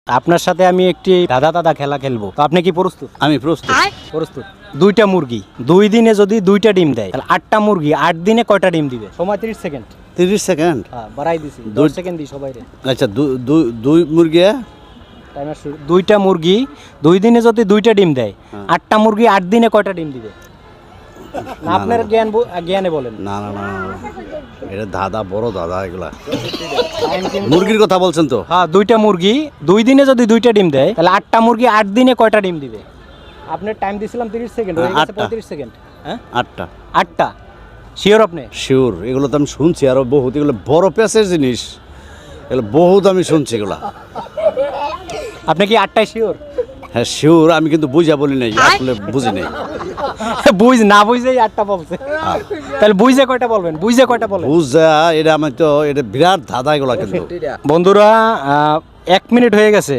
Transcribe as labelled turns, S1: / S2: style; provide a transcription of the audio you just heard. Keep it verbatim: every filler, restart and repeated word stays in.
S1: আপনার সাথে আমি একটি দাদা দাদা খেলা খেলবো, তো আপনি কি প্রস্তুত?
S2: আমি প্রস্তুত।
S1: প্রস্তুত। দুইটা মুরগি দুই দিনে যদি দুইটা ডিম দেয় তাহলে আটটা মুরগি আট দিনে কয়টা ডিম দিবে? সময় তিরিশ সেকেন্ড।
S2: তিরিশ সেকেন্ড।
S1: হ্যাঁ, বাড়াই দিছি, দশ
S2: দুই-
S1: সেকেন্ড দিই সবাই রে।
S2: আচ্ছা দু- দু- দুই মুরগি।
S1: টাইমার শুরু। দুইটা মুরগি দুই দিনে যদি দুইটা ডিম দেয়,
S2: হ্যাঁ।
S1: আটটা মুরগি আট দিনে কয়টা ডিম দিবে? না,
S2: না,
S1: আপনার
S2: না।
S1: জ্ঞান ব- জ্ঞানে বলেন।
S2: না না না না, না। এটা দাদা বড় দাদা এগুলা
S1: টাইম কিন্তু-
S2: মুরগির কথা বলছেন তো?
S1: হ্যাঁ, দুইটা মুরগি দুই দিনে যদি দুইটা ডিম দেয় তাহলে আটটা মুরগি আট দিনে কয়টা ডিম দিবে? আপনার টাইম দিছিলাম তিরিশ সেকেন্ড, হয়ে
S2: হ্যাঁ,
S1: গেছে
S2: আটটা।
S1: পঁয়ত্রিশ সেকেন্ড। হ্যাঁ,
S2: আটটা।
S1: আটটা। শিওর আপনি?
S2: শিওর, এগুলো তো আমি শুনছি আরো বহুত, এগুলো বড় প্যাসের জিনিস, এগুলো বহুত আমি শুনছি এগুলা।
S1: আপনি কি আটটায় শিওর?
S2: হ্যাঁ শিওর, আমি কিন্তু বুঝা বলি নাই, আসলে বুঝি নাই।
S1: বুঝ না বুঝেই আটটা বলছে, তাহলে বুঝে কয়টা বলবেন? বুঝে কয়টা বলেন?
S2: বুঝা, এটা আমি তো এটা বিরাট দাদা এগুলা কিন্তু।
S1: বন্ধুরা, আহ, এক মিনিট হয়ে গেছে।